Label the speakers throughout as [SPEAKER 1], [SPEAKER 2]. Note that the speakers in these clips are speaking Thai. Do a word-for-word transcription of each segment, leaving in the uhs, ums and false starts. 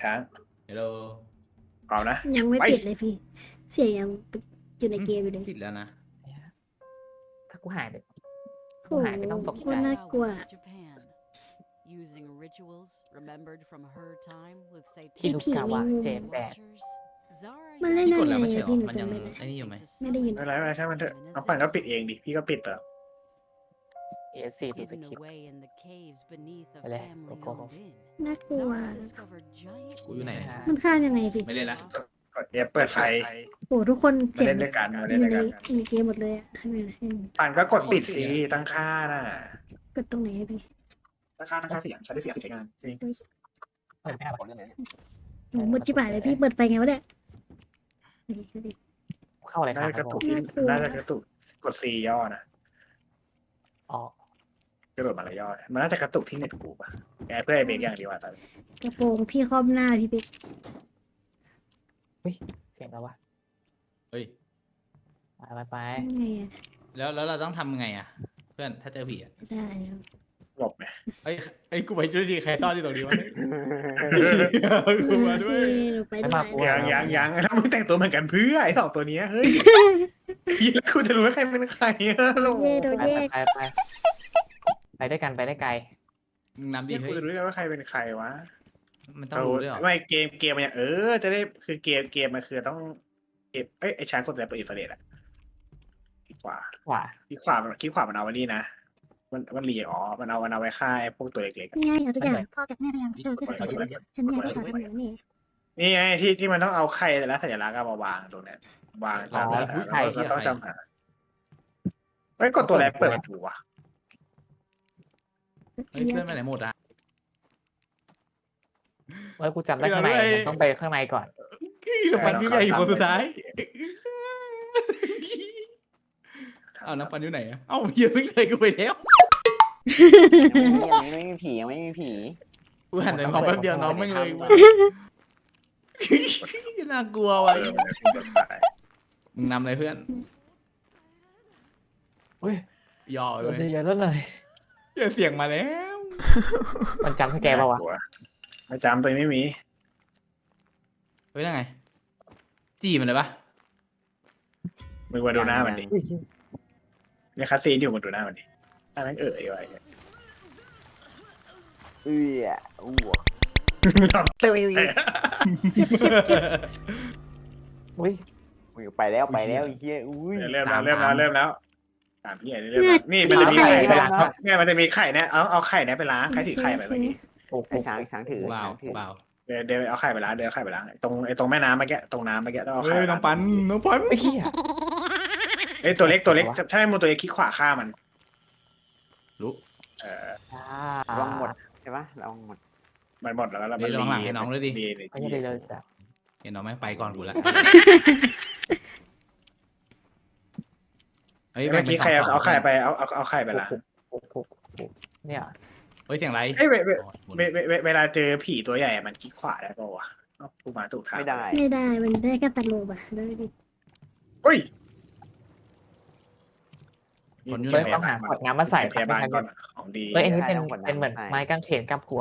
[SPEAKER 1] ช้าง
[SPEAKER 2] ฮัลโหล
[SPEAKER 1] พร้อมนะ
[SPEAKER 3] ยังไม่
[SPEAKER 1] ไป
[SPEAKER 3] ปิดเลยพี่ เสียงยังอยู่ในเกมอยู่เลย
[SPEAKER 2] ปิดแล้วนะ
[SPEAKER 4] ถ้ากูหายไป
[SPEAKER 3] โอ้โห
[SPEAKER 4] หายไปต้องตกใจ
[SPEAKER 3] โคตรน่ากลัว
[SPEAKER 5] Japan, using rituals remembered from her time with
[SPEAKER 4] คิรุกาวะ
[SPEAKER 3] ผี
[SPEAKER 4] เจนแปด
[SPEAKER 3] มันเล่น
[SPEAKER 2] พี่
[SPEAKER 3] ได้
[SPEAKER 2] กดแล้ว
[SPEAKER 3] ไง
[SPEAKER 2] ไม่ใช่
[SPEAKER 3] อะ
[SPEAKER 2] หรอ
[SPEAKER 3] พี่หนู
[SPEAKER 2] มันยัง
[SPEAKER 3] จำไม่ได้
[SPEAKER 2] ไอ้นี่อยู่ไหม
[SPEAKER 3] ไม่ได้ยิน
[SPEAKER 1] ไม่เป็นไรไม่เป็นไรช่างมันเถอะน้องปั่นก็ปิดเองดิพี่ก็ปิดแล้ว
[SPEAKER 4] เอสี่ดูส
[SPEAKER 5] hidden
[SPEAKER 4] คริปต์
[SPEAKER 5] away in the caves beneath a
[SPEAKER 4] Boleh,
[SPEAKER 5] family
[SPEAKER 4] pokok.
[SPEAKER 5] owned inn.
[SPEAKER 3] น่ากลัว
[SPEAKER 5] Zara discovered giant
[SPEAKER 2] กูอยู่ไหน
[SPEAKER 4] อ่า
[SPEAKER 3] มันฆ่ายังไงพี่
[SPEAKER 2] ไม่เล่นละ
[SPEAKER 1] กดเอฟเปิดไฟ
[SPEAKER 3] โอ้ทุกคน
[SPEAKER 1] มา
[SPEAKER 3] เสียง
[SPEAKER 1] เล่นด้วยกันมา
[SPEAKER 3] อ
[SPEAKER 1] เล่น
[SPEAKER 3] ยู่
[SPEAKER 1] ด้วย
[SPEAKER 3] ใน
[SPEAKER 1] กัน
[SPEAKER 3] ในเกมหมดเลยอะทำไมให้
[SPEAKER 1] ปั่นก็กดปิดสิตั้งค่าน่ะ
[SPEAKER 3] กดตรงไหนอะพี่
[SPEAKER 1] ตั้งค่าตั้งค่าเสียงใช้ได้เสียงใช้งานจริง
[SPEAKER 4] เปิดไม่ได้ปะ
[SPEAKER 3] โอ้มืดจิ๋วเลยพี่เปิดไฟไงวะเนี่ยนี่ดูดิ
[SPEAKER 4] เข้าอะไรค
[SPEAKER 1] น่า
[SPEAKER 4] รับ
[SPEAKER 1] จะกระตุกที่
[SPEAKER 3] น่ากลัว
[SPEAKER 1] น่าจะกระตุกกดซีย่อนะ
[SPEAKER 4] อ๋อก
[SPEAKER 1] ระโดดมาละย่อมันน่าจะกระตุกที่เน็ตกูป่ะแกเพื่อไอเบรกอย่างดีว่าตอนนี้
[SPEAKER 3] กระโปรงพี่ครอบหน้าพี่ปิ๊ก
[SPEAKER 4] เสียงแล้ววะ
[SPEAKER 2] เฮ้ย
[SPEAKER 4] ไปไปไป
[SPEAKER 3] ไงอะ
[SPEAKER 2] แล้วแล้วเราต้องทำยังไงอ่ะ เพื่อนถ้าเจอผีอ่ะ
[SPEAKER 3] ได้ครับ
[SPEAKER 1] หลบไหม
[SPEAKER 2] เอ้ยไอ้ยกูไปด้วยดิใครซ่อนที่ตรงนี้วะกูมาด้วย
[SPEAKER 3] พี่หนูไปด้วย
[SPEAKER 1] ยังยังยังแล้วมึงแต่งตัวเหมือนกันเพื่อไอสองตัวเนี้ยเฮ้ยแล้วกูจะรู้ว่าใครเป็นใครอะลูก
[SPEAKER 3] เย่โดน
[SPEAKER 4] ไป
[SPEAKER 3] แยก
[SPEAKER 4] ไปไปไปด้วยกันไปได้ไกล
[SPEAKER 2] มึงนำดิ
[SPEAKER 1] เนี่ย
[SPEAKER 2] เฮ้
[SPEAKER 1] กู
[SPEAKER 2] ย
[SPEAKER 1] จะรู้ได้ว่าใครเป็นใครวะ
[SPEAKER 2] มันต้องรู้ด้วยเหรอ
[SPEAKER 1] ไม่เกมเกมมันเนี่ยเออจะได้คือเกมเกมมันคือต้องเอฟเอ้ยไอช้างกดแต่เปิดอินฟราเรดอะคลิกขวา
[SPEAKER 4] ขวา
[SPEAKER 1] คลิกขวามันคลิกขวามันเอาไว้นี่นะมันมันรีอ๋อมันเอามันเอาไว้ฆ่าไอ้พวกตัวเล็กๆอะ
[SPEAKER 3] นี่ไงเอาทุกอย่างพ่อกับแม่พยายามเจอขึ้นมาฉันเนี่ยที่ขอทำอยู่นี่
[SPEAKER 1] นี่ไงที่ที่มันต้องเอาไข่แต่ละสัญลักษณ์อะมาวางตรงเนี้ยวางตามแล้วเราต้องจำหาเฮ้ยกดตัวแรกเปิดประตูวะ
[SPEAKER 2] เฮ้ยเพื่อนไปไหนหมดอ่ะ
[SPEAKER 4] เมื่อกูจำได้ข้างในมันต้องไปข้างในก่อน
[SPEAKER 2] น้ำปันที่ใหญ่อยู่คนสุดท้ายเอาน้ำปันอยู่ไหนอ่ะเอ้าเหี้ยเพิ่งเลยกูไปแล้ว
[SPEAKER 6] ยังไม่มีผียังไม่มีผี
[SPEAKER 2] กูหันไปมองแป๊บเดียวน้องไม่งเลยน่ากลัวว่ะมึงนำเลยเพื่อน
[SPEAKER 4] อุ้ย
[SPEAKER 2] ย่อ
[SPEAKER 4] เ
[SPEAKER 2] เลย
[SPEAKER 4] ยอะแล้วเลย
[SPEAKER 2] เหี้ยเสียงมาแล้ว
[SPEAKER 4] มันจำสแกนป่าวะ
[SPEAKER 1] ไม่จำตัวไม่มี
[SPEAKER 2] เฮ้ยนั่นไงจี้มันเลยปะ
[SPEAKER 1] มึงมาดูหน้ามันดิเนี่ยคาซีนอยู่มาดูหน้ามันดิหน้าแม่งเอ๋ยไว้
[SPEAKER 6] เอื้ออ้วก
[SPEAKER 4] อุ้ย
[SPEAKER 6] อุ้ยไปแล้วไปแล้วไอ้เฮียอุ้ย
[SPEAKER 1] เริ่มแล้วเริ่มแล้วเริ่มแล้วตามพี่ใหญ่เริ่มแล้วนี่มันจะมีไข่ไปล้างเนี่ยมันจะมีไข่เนี่ยเอาเอาไข่เนี่ยไปล้างใครถือไข่ไปเมื่อกี้
[SPEAKER 4] โอ้โห
[SPEAKER 6] ไอ้ช้างช้างถือ
[SPEAKER 2] เบา
[SPEAKER 6] ช้างถือ
[SPEAKER 2] เบา
[SPEAKER 1] เดี๋ยวเดี๋ยวเอาไข่ไปล้างเดี๋ยวเอาไข่ไปล้างตรงไอ้ตรงแม่น้ำเมื่อกี้ตรงน้ำเมื่อกี้ต้องเอาไข่
[SPEAKER 2] เฮ้ยน้องปันน้องปัน
[SPEAKER 4] ไอ้เหี้ย
[SPEAKER 1] ไอ้ตัวเล็กตัวเล็กถ้าไม่มูตัวเล็กคลิกขวาฆ่ามัน
[SPEAKER 2] รู้
[SPEAKER 1] เออ
[SPEAKER 4] อ่า
[SPEAKER 6] ระวังหมดใช่ปะระวังหมด
[SPEAKER 1] มันหมดแล้วแล้ว
[SPEAKER 2] เดี๋ยวลองหลังให้น้องเลยดิ
[SPEAKER 1] ดี
[SPEAKER 4] ไม่ใช่เลยเลยจ้ะ
[SPEAKER 2] เห็นน้องแม่งไปก่อนกูละเฮ้ย
[SPEAKER 1] เมื่อกี้ใครเอาไข่ไปเอาเอาเอาไข่ไปล้าง
[SPEAKER 4] โอ้โหเนี่ย
[SPEAKER 2] เฮ้ยเสียงไร
[SPEAKER 1] เอ้ยเวเวเวเวเวเวลาเจอผีตัวใหญ่มันคลิกขวาได้ป่าวะกูมาถูกทาง
[SPEAKER 6] ไม่ได้
[SPEAKER 3] ไม่ได้มันได้แค่ตัดโลบอะได้ดิ
[SPEAKER 1] เฮ้ย
[SPEAKER 4] เฮ้ยต้องหาขวดน้ำมาใส่
[SPEAKER 1] พยาบาลก่อนของดี
[SPEAKER 4] เฮ้ยอันนี้เป็นเป็นเหมือนไม้กางเขนกับกัว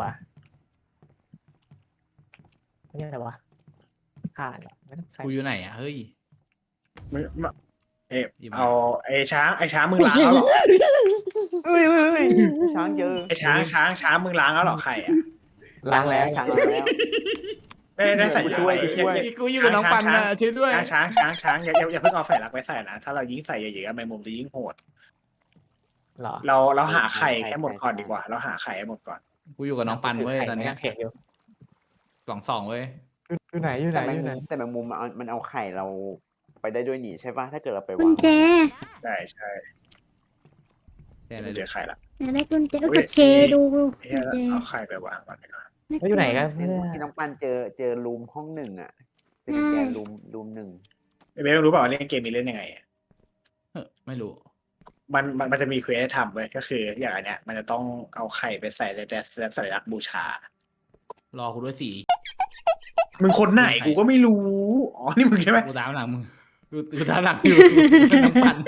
[SPEAKER 4] นี่อะไรวะขาดไม่ต้องใส่
[SPEAKER 2] กูอยู่ไหนอ่ะเฮ้ย
[SPEAKER 1] มึงเออเอาไอ้ช้างไอ้ช้างมึงล้างแล้วหรอ
[SPEAKER 6] เฮ้ยเฮ้ยเฮ้ยช้างเจอ
[SPEAKER 1] ไอ้ช้างช้างช้างมึงล้างแล้วหรอไข่อะ
[SPEAKER 4] ล้างแล้ว
[SPEAKER 6] ช้างล้างแล้ว
[SPEAKER 1] ได้ได้ใส่
[SPEAKER 6] ช่วยช่วย
[SPEAKER 2] กูอยู่กับน้องปันนะช่วยด้วย
[SPEAKER 1] ช้างช้างช้างช้างอย่าอย่าเพิ่งเอาไฟลักไปใส่นะถ้าเรายิ่งใส่เยอะๆแมงมุมจะยิ่งโหด
[SPEAKER 4] หรอ
[SPEAKER 1] เราเราหาไข่ให้หมดก่อนดีกว่า เราหาไข่ให้หมดก่อน
[SPEAKER 2] กูอยู่กับน้องปันเว้ยตอน
[SPEAKER 4] ไม้
[SPEAKER 2] นี้
[SPEAKER 4] กางเขนอยู่
[SPEAKER 2] สองสองเว้ย
[SPEAKER 4] อยู่ไหนอยู่ไหน
[SPEAKER 6] แต่แมง
[SPEAKER 4] อยู่ไหน
[SPEAKER 6] มุมแต่แมงมุมมันเอามันเอาไข่เราไปได้ด้วยหนีใช่ปะถ้าเกิดเราไป
[SPEAKER 3] กุ
[SPEAKER 6] วา
[SPEAKER 3] ญ
[SPEAKER 6] ง
[SPEAKER 3] แจ
[SPEAKER 1] ใช่ใช่
[SPEAKER 2] แต่อะไร
[SPEAKER 1] เราเจ
[SPEAKER 2] เดี๋ย
[SPEAKER 1] อไข่ละ
[SPEAKER 3] อยากได้กุญแจก็กดเคดูกุญ
[SPEAKER 1] เฮ้ย
[SPEAKER 3] แจ
[SPEAKER 1] เอาไข่ไปวางก่อนดีกว่า
[SPEAKER 4] แล้วอยู่ไหนกัน
[SPEAKER 6] ที่
[SPEAKER 4] เพื่อ
[SPEAKER 6] ที่น้องปันเจอเจอรูมห้องหนึ่งอ่ะเป็นกุญแจรูมรูมหนึ่ง
[SPEAKER 1] เบลรู้เปล่าว่าเล่นเกมนี้เล่นยังไง
[SPEAKER 2] ไม่รู้
[SPEAKER 1] มันมันมันจะมีเควสให้ทำเว้ยก็คืออย่างอันเนี้ย มันจะต้องเอาไข่ไปใส่ในแต่สัญลักษณ์บูชา
[SPEAKER 2] รอกูด้วยสี
[SPEAKER 1] มึงคนไหนกูก็ไม่รู้ อ๋อ นี่มึงใช่ไหม
[SPEAKER 2] กูตามหลังมึงกูกูตามหลังอยู่น้องปัน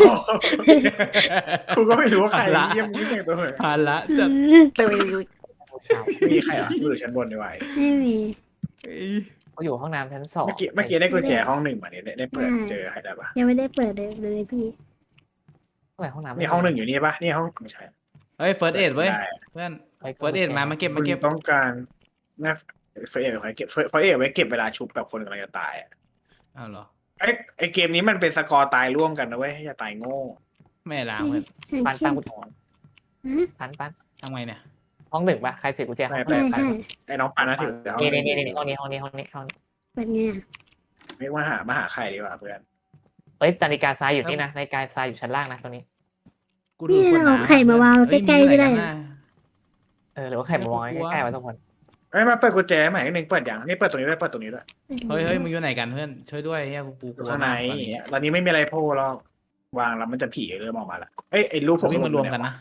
[SPEAKER 1] กูก็ไม่รู้ว่าใครเยี่ยมมึงแต่งตัวเหมือน
[SPEAKER 2] ผ่านละจัด
[SPEAKER 4] โอ้เช้า
[SPEAKER 1] ไม่มีใครเหรอกูอยู่ชั้นบนดีกว่า
[SPEAKER 3] ไม่มี
[SPEAKER 2] เอ้ย
[SPEAKER 4] เขาอยู่ห้องน้ำชั้นสอง
[SPEAKER 1] เมื่อกี้เมื่อกี้ได้กุญแจห้องหนึ่งมาเนี่ยได้ได้เปิดเจอใครได้ปะ
[SPEAKER 3] ยังไม่ได้เปิดเลยเลยพี่
[SPEAKER 4] ทำไมห้องน้ำ
[SPEAKER 1] นี่ห้องหนึ่งอยู่นี่ปะนี่ห้องไม่ใช่
[SPEAKER 2] เฮ้ยเฟิร์สเอ็ดเว้ย
[SPEAKER 1] ได้
[SPEAKER 2] เพื่อนเฟิร์สเอ็ดมามาเก็บ
[SPEAKER 1] มั
[SPEAKER 2] มาน เก็บ
[SPEAKER 1] ต้องการน่าเฟรเอไว้เก็บเฟรเอไว้เก็บเวลาชุบแบบคนกำลังจะตายอ่ะ
[SPEAKER 2] อ้าวเหรอ
[SPEAKER 1] ไอไอเกมนี้มันเป็นสกอร์ตายร่วมกันนะเว้ยอย่าตายโง่
[SPEAKER 2] แม่ล้างเพื่อน
[SPEAKER 4] ปันปันกูถอน
[SPEAKER 3] ฮะ
[SPEAKER 4] ปันปัน
[SPEAKER 2] ทำไงเนี่ย
[SPEAKER 4] ห้องหนึ่งปะใครถือกุญแจห้อง
[SPEAKER 1] ไป
[SPEAKER 3] ใช่
[SPEAKER 1] ไป
[SPEAKER 3] ใช่
[SPEAKER 1] ไอน้องปานะถือเดี๋ยว
[SPEAKER 4] นี่นี่นี่ห้องนี้ห้องนี้ห้องนี้ห้องนี้
[SPEAKER 3] เปิดไงอะ
[SPEAKER 1] ไม่ว่าหามาหาใครดีกว่าเพื่อน
[SPEAKER 4] เอ้ยนาฬิกาทรายอยู่นี่นะนาฬิกาทรายอยู่ชั้นล่างนะตรงนี้
[SPEAKER 2] กูดูขวด
[SPEAKER 3] เรา
[SPEAKER 2] น้ำ
[SPEAKER 3] ไข่มาวาง
[SPEAKER 2] เฮ้ย
[SPEAKER 3] ใกล้ๆไม่ได้
[SPEAKER 2] อยู่
[SPEAKER 3] เหร
[SPEAKER 2] หน
[SPEAKER 3] อ
[SPEAKER 2] กันน่ะ
[SPEAKER 4] เออหรือว่าใครมาวางไว้ใกล้ๆไว้ทุกคน
[SPEAKER 1] เอ้ยมาเปิดกุญแจใหม่หนึ่งเปิดอย่างนี่เปิดตรงนี้ด้วยเปิดตรงนี้ด้วย
[SPEAKER 2] เฮ้ยเฮ้ยมึงอยู่ไหนกันเพื่อนช่วยด้วยเฮียกูกูกลัว
[SPEAKER 1] ข้างใน
[SPEAKER 2] มากตอนนี้
[SPEAKER 1] ตอนนี้ไม่มีอะไรโผล่หรอกวางแล้วมันจะผีเริ่มออกมาละเอ้ยไอรูป
[SPEAKER 2] เขาวิ่งมารวมกันนะ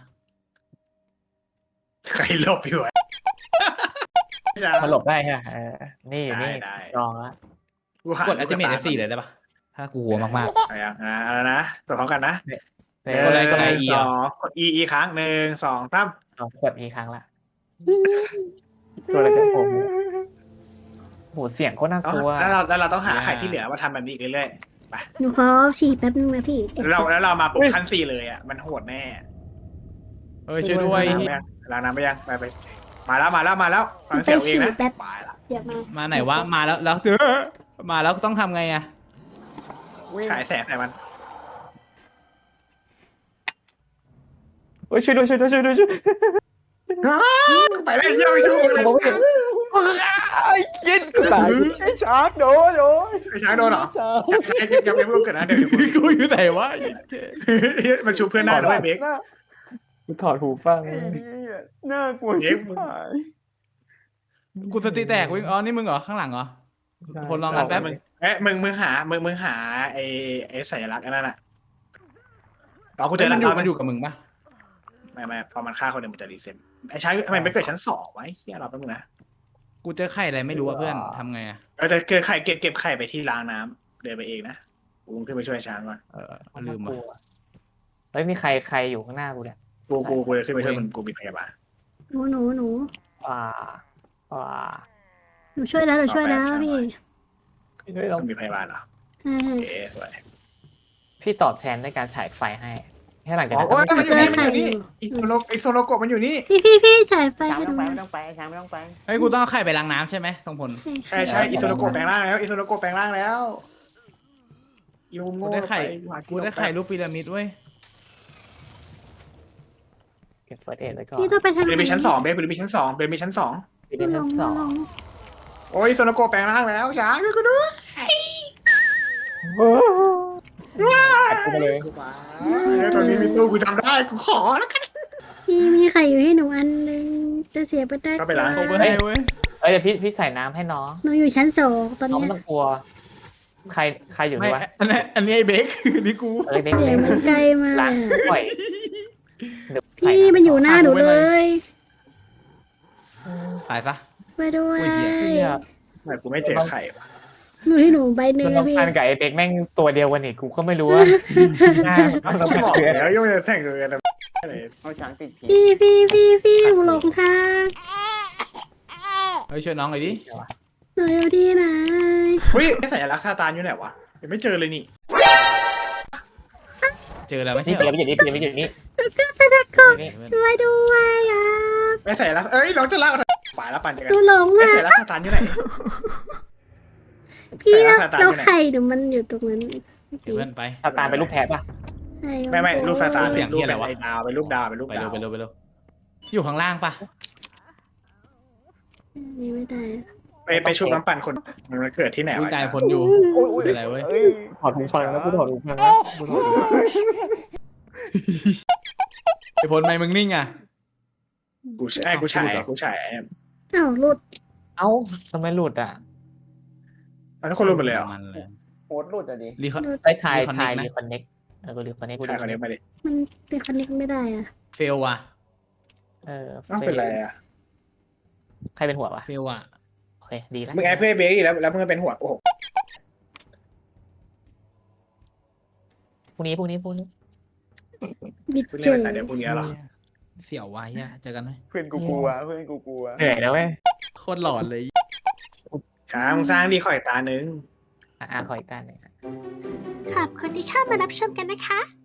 [SPEAKER 1] ใครหลบอยู่วะ
[SPEAKER 4] มาหลบได้ใช่ไหมเออนี่นี่
[SPEAKER 1] ได้
[SPEAKER 4] จองละ
[SPEAKER 2] กดอัลติเมทเอฟสี่เลยได้ปะถ้ากูกลัวมาก
[SPEAKER 1] อะไรอย่างนะอะไรนะกดพร้อมกันนะ
[SPEAKER 4] เอ
[SPEAKER 2] กดอะไร
[SPEAKER 4] อก
[SPEAKER 2] ดอะไร E
[SPEAKER 1] ส
[SPEAKER 2] เหร
[SPEAKER 1] อ
[SPEAKER 2] อ
[SPEAKER 1] งกด E E ครั้งหนึ่งสองสาม
[SPEAKER 4] เอากดอีกครั้งละตัวอะไรกันผมโหเสียงโคตรน่ากลัว
[SPEAKER 1] แล้วเราแล้วเราต้องหาไข่ที่เหลือมาทำแบบนี้อีกเรื่อย
[SPEAKER 3] หนูขอฉี่แป๊บนึงนะพี่
[SPEAKER 1] ๆแล้วเราแล้วเรามาปุ๊บขั้นสี่เลยอ่ะมันโหดแน่
[SPEAKER 2] เฮ้ยช่วยด้วย
[SPEAKER 1] ล้างน้ำไปยังล้างน้ำไปยังไปไปมาแล้วมาแล้วมาแล้วฟังเสียงเองนะไปละ
[SPEAKER 3] เดี๋ยวมา
[SPEAKER 2] มาไหนวะมาแล้วแล้วเออมาแล้วต้องทำไงอะ
[SPEAKER 1] ฉายแสงใส่มัน
[SPEAKER 4] เฮ้ยช่วยด้วยช่วยด้วยช่วยด้วยช่วย
[SPEAKER 1] ไปเลยเชี่ยวไปชูเลย
[SPEAKER 4] ไอ้กินกูตาย
[SPEAKER 6] ไอ้ชาร์กโดนโดน
[SPEAKER 1] ไอ้ช้างโดนเหรอ
[SPEAKER 6] ชาร์ก
[SPEAKER 1] ช้างยังไม่รู้เกิดนะเดี๋ยว
[SPEAKER 2] กูอยู่ไหนวะ
[SPEAKER 1] มันชูเพื่อนได้ด้วยเบค
[SPEAKER 4] กูถอดหูฟัง
[SPEAKER 6] ไอ้เหี้ยน่ากลัว
[SPEAKER 1] เย็
[SPEAKER 6] ชิ
[SPEAKER 1] บ
[SPEAKER 6] บหาย
[SPEAKER 2] กูสติแตกวิ่งอ๋อนี่มึงเหรอข้างหลังเหรอคนลองกันแป๊บ
[SPEAKER 1] มึงเอ๊ะมึงมึงหามึงมึงหาไอ้ไอ้สัญลักษณ์นั่นน่ะเรากูเจ
[SPEAKER 2] เจ
[SPEAKER 1] อ
[SPEAKER 2] อ
[SPEAKER 1] แล้ว
[SPEAKER 2] มันอยู่มันอยู่กับมึงปะ
[SPEAKER 1] ไม่ไม่พอมันฆ่าคนหนึ่งมันจะรีเซ็ตไอ้ช้างทำไมไม่เกิดชั้นสองวะเฮียเราแป๊บนึงนะ
[SPEAKER 2] กูเจอไข่อะไรไม่รู้อะเพื่อนทำไงอะ
[SPEAKER 1] เออจะเกิดไข่เก็บเก็บไข่ไปที่ล้างน้ำเดินไปเองนะกูขึ้นไปช่วยช้างก่อน
[SPEAKER 2] เออลืมว่ะ
[SPEAKER 4] เฮ้ยมีใครใครอยู่ข้างหน้ากูเนี่ย
[SPEAKER 1] กูกูกูจะขึ้นไปช่วยมันกูมีพยาบาล
[SPEAKER 3] หนูหนูหนู
[SPEAKER 4] ว้าว้า
[SPEAKER 3] หนูช่วยแล้วหนูช่วยแล้วพี่
[SPEAKER 4] เฮ้ยเรา
[SPEAKER 1] มันมีพยาบาลเหรอ
[SPEAKER 3] ใช่
[SPEAKER 1] โอเคสวย
[SPEAKER 4] พี่ตอบแทนด้วยการฉายไฟให้ให้หลังจาก
[SPEAKER 1] อ๋อ
[SPEAKER 4] นั้น
[SPEAKER 1] โอ้ยมันอยู่นี่มันอยู่นี่อีโซโลอีโซโลโกะมันอยู่นี่
[SPEAKER 3] พี่พี่พี่จ่ายไฟ
[SPEAKER 6] ช้าง
[SPEAKER 3] ให้
[SPEAKER 6] ไม่
[SPEAKER 3] ห
[SPEAKER 6] ต้
[SPEAKER 3] นู
[SPEAKER 6] องไปไม่ต้องไปช้างไม่ต้องไป
[SPEAKER 2] เฮ้ยกูต้องเอาไข่ไปล้างน้ำใช่ไหมส่งผล
[SPEAKER 1] ใช่ใช่อีโซโลโกะแปลงร่างแล้วอีโซโลโกะแปลงร่างแล้วอีมุม
[SPEAKER 2] กู
[SPEAKER 1] โง่
[SPEAKER 2] ได้ไข่
[SPEAKER 1] ปหวาน
[SPEAKER 2] กูได้ไข่รูปพีระมิดเว้ย
[SPEAKER 4] เก็บเฟิร์สเอ็ดไว้ก่อน
[SPEAKER 3] พี่ต้องไปทาง
[SPEAKER 1] เบลมีชั้นสองเบลมีชั้นสองเบลมีชั้นสอง
[SPEAKER 4] พี่เป็นชั้นสอง
[SPEAKER 1] โอ้ยโซโลโกะแปลงร่างแล้วช้างช่วยกูด้วย
[SPEAKER 4] กูมาเลย
[SPEAKER 1] เฮ้ยตอนนี้มีตู้กูทำได้กูขอแล้วกัน
[SPEAKER 3] พี่มีไข่อยู่ให้หนูอันนึงจะเสียไปได้
[SPEAKER 1] ก็ไปล้าง
[SPEAKER 2] ส่งไปให้เว้ย
[SPEAKER 4] เอ้ยเดี๋ยวพี่พี่ใส่น้ำให้น้อง
[SPEAKER 3] หนูอยู่ชั้นสองตอน
[SPEAKER 4] น้อง
[SPEAKER 3] เนี้
[SPEAKER 4] ไม่
[SPEAKER 3] ย
[SPEAKER 4] ต้องกลัว ใครใครอยู่
[SPEAKER 2] ไม่
[SPEAKER 4] นี่วะ
[SPEAKER 2] อันนี้อันนี้ไอ้เบคนี่กู
[SPEAKER 4] เอ้ยเด็ก
[SPEAKER 3] เสียงมันไกลมาก
[SPEAKER 4] ล้าง
[SPEAKER 3] เลยอะ
[SPEAKER 4] ปล่อยเดี๋ยวใส่
[SPEAKER 3] พี่มันอยู่หน้าหนูเลย
[SPEAKER 2] ตายซะ
[SPEAKER 3] ไปด้วย
[SPEAKER 2] อุ้ยเหี้ย
[SPEAKER 4] เนี่ย
[SPEAKER 1] ทำไมกูไม่เจอไข่วะ
[SPEAKER 3] หนูให้หนูใบหนึ่ง
[SPEAKER 4] น้อ
[SPEAKER 3] นะ
[SPEAKER 4] ง
[SPEAKER 3] พี่
[SPEAKER 4] พันกับไอ้เด็กแม่งตัวเดียวกันอีกกูก็ไม่รู้ว่าหน้ามันต้อง
[SPEAKER 1] ไม่
[SPEAKER 4] เป็น
[SPEAKER 1] บอก
[SPEAKER 4] เพื่อน
[SPEAKER 1] แล้วยังจะแต่งเกินอะไร
[SPEAKER 6] เอาช้างติดผี
[SPEAKER 3] พี่พี่พี่พี่หนูหลงทาง
[SPEAKER 2] เฮ้ยช่วยน้องหน่อยดิ
[SPEAKER 3] หนูอยู่ที่ไหน
[SPEAKER 1] เฮ้ยสัญลักษณ์ซาตานอยู่ไหนวะยังไม่เจอเลยนี่
[SPEAKER 2] เจอแล้วไม่
[SPEAKER 4] นี่
[SPEAKER 2] ใช่
[SPEAKER 4] เปลี่ยน
[SPEAKER 2] เหรอ
[SPEAKER 4] ไปอยู่นี่เปลี่ยนไปอยู่นี่
[SPEAKER 3] จะได้กบ
[SPEAKER 4] นี่
[SPEAKER 3] ช่วยด้วยอ่ะ
[SPEAKER 1] ไอ้สัญลักษณ์เอ้ยน้องจะเล่าป่าแล้วปั่นจัก
[SPEAKER 3] ห
[SPEAKER 1] ร
[SPEAKER 3] นู
[SPEAKER 1] ยาน
[SPEAKER 3] หลง
[SPEAKER 1] ไอ้
[SPEAKER 3] อ่ะ
[SPEAKER 1] สัญลักษณ์ซาตานอยู่ไหน
[SPEAKER 3] พี่
[SPEAKER 1] แต่
[SPEAKER 3] เรา
[SPEAKER 1] ละสตาร์
[SPEAKER 3] เรา
[SPEAKER 1] อยู่ไหน
[SPEAKER 3] ไข่หนูมันอยู่ตรงนั้น
[SPEAKER 2] เดี๋ยวเพื่อนไป
[SPEAKER 4] ซาตานเป็นลูกแพะป่ะ
[SPEAKER 3] ใช่
[SPEAKER 1] ไม่ไม่รูปซาตาน
[SPEAKER 2] เสียง
[SPEAKER 1] รูป
[SPEAKER 2] เหี้ยอะไร
[SPEAKER 1] เป็น
[SPEAKER 2] วะ
[SPEAKER 1] ไอ้ดาวเป็นรูปดาวเป็นรูป
[SPEAKER 2] ไป
[SPEAKER 1] ดา
[SPEAKER 2] เร็
[SPEAKER 1] ว
[SPEAKER 2] วไปเร็วไปเร็วอยู่ข้างล่างปะ
[SPEAKER 3] นี่ไม่ได้
[SPEAKER 1] ไปไปชุบน้ำปั่นคนมันเกิดที่ไหน
[SPEAKER 2] วิ่ง
[SPEAKER 1] วะ
[SPEAKER 2] กายคนอยู่เป็นอะไรเว้ย
[SPEAKER 6] เอ้ย
[SPEAKER 4] ถอดหูฟังแล้วกูถอดหูฟังแล้วกูถอดหูฟัง
[SPEAKER 2] ไอ้พลไม่มึงนิ่งอ่ะ
[SPEAKER 1] กูใช่กูฉายกูฉาย
[SPEAKER 3] อ้าวหลุด
[SPEAKER 4] เอ้าทำไมหลุดอ่ะ
[SPEAKER 1] ตอนนี้คนรู้หมดเลยเหรอ
[SPEAKER 2] มันเลย
[SPEAKER 6] โหดหลุดอ่ะดิ
[SPEAKER 2] รีคอ
[SPEAKER 4] ไอ้ถ่าย
[SPEAKER 2] Reconnect
[SPEAKER 4] ถ่าย
[SPEAKER 2] นะ
[SPEAKER 4] รีคอนเน็กเออกูรีคอนเน็กกู
[SPEAKER 1] ใช่คนนี้มาดิ
[SPEAKER 3] มันเป็นคอนเน็กไม่ได้อ่ะ
[SPEAKER 2] เฟลว่ะ
[SPEAKER 4] เออ
[SPEAKER 1] ต้องเป็นไรอ่ะ
[SPEAKER 4] ใครเป็นหัววะ
[SPEAKER 2] เฟลว่ะ
[SPEAKER 4] โอเคดีแล้ว
[SPEAKER 1] มึงไอ้เพื่อนเบรกแล้วแล้วมึงเป็นหัวโอ้โห
[SPEAKER 4] พรุ่งนี้พรุ่งนี้พรุ่งนี้
[SPEAKER 3] บิด
[SPEAKER 1] คุณ
[SPEAKER 3] เจ
[SPEAKER 1] เล่น
[SPEAKER 3] อ
[SPEAKER 1] แต่เดี๋ยวพรุ่งนี้หรอ
[SPEAKER 2] เสี่ยวไว้อะเจอกันไหม
[SPEAKER 6] เพื่อนกูกลัวเพื่อนกูกลัว
[SPEAKER 4] เหนื่อยแล้วเว้ย
[SPEAKER 2] โคตรหลอนเลย
[SPEAKER 1] ช้างมึงสร้างดีข่อยตาหนึ่ง
[SPEAKER 4] อ่ะอ่ะขออีกตาหนึ่ง
[SPEAKER 3] ขอบคุณที่เข้ามารับชมกันนะคะ